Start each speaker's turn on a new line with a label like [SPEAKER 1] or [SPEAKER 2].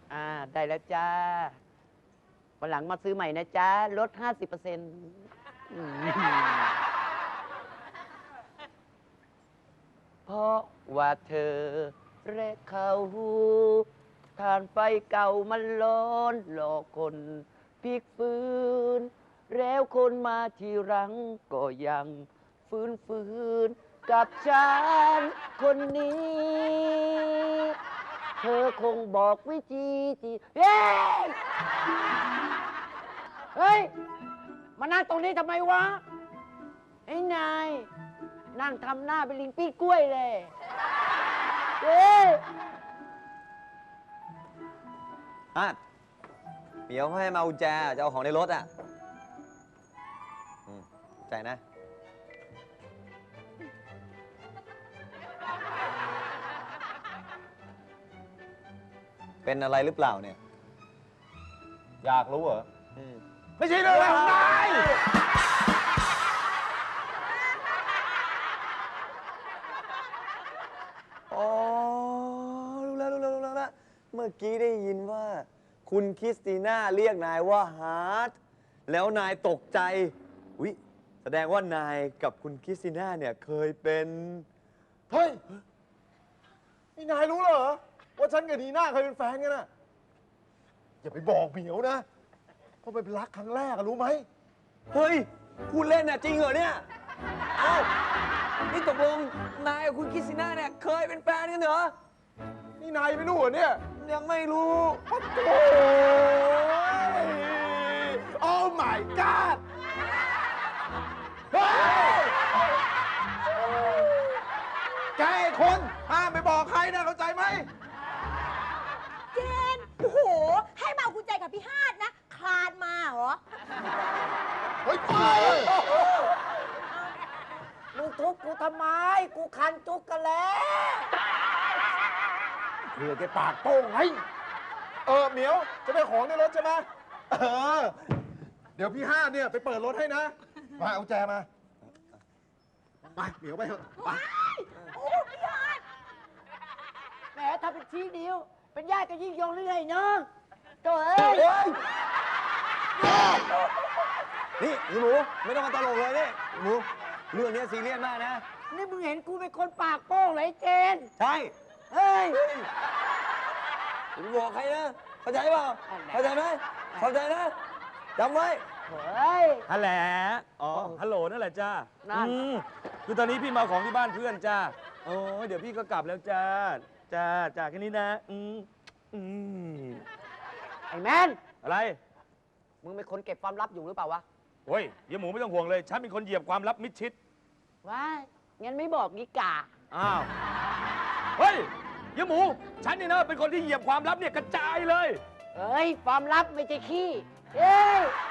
[SPEAKER 1] ได้แล้วจ้าวันหลังมาซื้อใหม่นะจ้าลด 50%เพราะว่าเธอและเขาทานไฟเก่ามันร้อนหลอกคนพลิกฟื้นแล้วคนมาทีหลังก็ยังฟื้นกับฉันคนนี้ เธอคงบอกวิธีที่เฮ้ย มานั่งตรงนี้ทำไมวะไอ้นาย นั่งทำหน้าเป็นลิงปี้กล้วยเลยเฮ้ย
[SPEAKER 2] เหมียวให้มากุญแจจะเอาของในรถอ่ะใจนะเป็นอะไรหรือเปล่าเนี่ย
[SPEAKER 3] อยากรู้เหรอไม่ใช่เรื่องของนาย
[SPEAKER 2] อ๋อรู้แล้วเมื่อกี้ได้ยินว่าคุณคริสติน่าเรียกนายว่าฮาร์ทแล้วนายตกใจอุ๊ยแสดงว่านายกับคุณคริสติน่าเนี่ยเคยเป็น
[SPEAKER 3] เฮ้ยนี่นายรู้เหรอว่าฉันกับนีน่าเคยเป็นแฟนกันน่ะอย่าไปบอกเหมียวนะเพราะเป็นรักครั้งแรกรู้ไหม
[SPEAKER 2] เฮ้ยพูดเล่นน่ะจริงเหรอเนี่ยเอ้านี่ตกลงนายกับคุณคริสติน่าเนี่ยเคยเป็นแฟนกันเหรอ
[SPEAKER 3] นี่นายไม่รู้เหรอเนี่ย
[SPEAKER 2] ยังไม่รู้
[SPEAKER 3] โอ้ยโอ้ my god เฮ้ยแกคนห้ามไปบอกใครนะเข้าใจไหม
[SPEAKER 4] เจนโอ้โหให้มาเอากุญแจกับพี่ฮาดนะคลานมาเหรอ
[SPEAKER 3] เฮ้ย
[SPEAKER 1] มึงทุบกูทำไมกูคันจุกกันแล้ว
[SPEAKER 3] เพื่อแกปากโป้งไงเหมียวจะได้ของในรถใช่ไหมเดี๋ยวพี่ห้าเนี่ยไปเปิดรถให้นะมาเอาแจมาไปเหมียวไปเถอะไป
[SPEAKER 4] โอ้พี่ฮาด
[SPEAKER 1] แหมถ้าเป็นชี้นิ้วเป็นญาติกันยิ่งยงหรือไงเนาะตัวเอ้ย
[SPEAKER 2] นี่หมูไม่ต้องมาตลกเลยนี่หมูเรื่องนี้ซีเรียสมากนะ
[SPEAKER 1] นี่มึงเห็นกูเป็นคนปากโป้งเหรอไอ้เจน
[SPEAKER 2] ใช่
[SPEAKER 1] เฮ้ย
[SPEAKER 2] มึงบอกใครนะเข้าใจเปล่าเข้าใจไหมเข้าใจนะจำไว้
[SPEAKER 1] เฮ้ย
[SPEAKER 5] ฮัลโหลฮัลโหลนั่นแหละจ้าคือตอนนี้พี่มาของที่บ้านเพื่อนจ้าโอ้ยเดี๋ยวพี่ก็กลับแล้วจ้าแค่นี้นะ
[SPEAKER 1] ไอ้แมน
[SPEAKER 5] อะไร
[SPEAKER 1] มึงเป็นคนเก็บความลับอยู่หรือเปล่าวะ
[SPEAKER 5] โอ้ยเดี๋ยวหมูไม่ต้องห่วงเลยฉันเป็นคนเหยียบความลับมิดชิด
[SPEAKER 1] ว้างั้นไม่บอกดีกา
[SPEAKER 5] อ้าวเฮ้ยเดี๋ยวหมูฉันนี่นะเป็นคนที่เหยียบความลับเนี่ยกระจายเลย
[SPEAKER 1] เอ้ยความลับไม่ใช่ขี้เอ้ย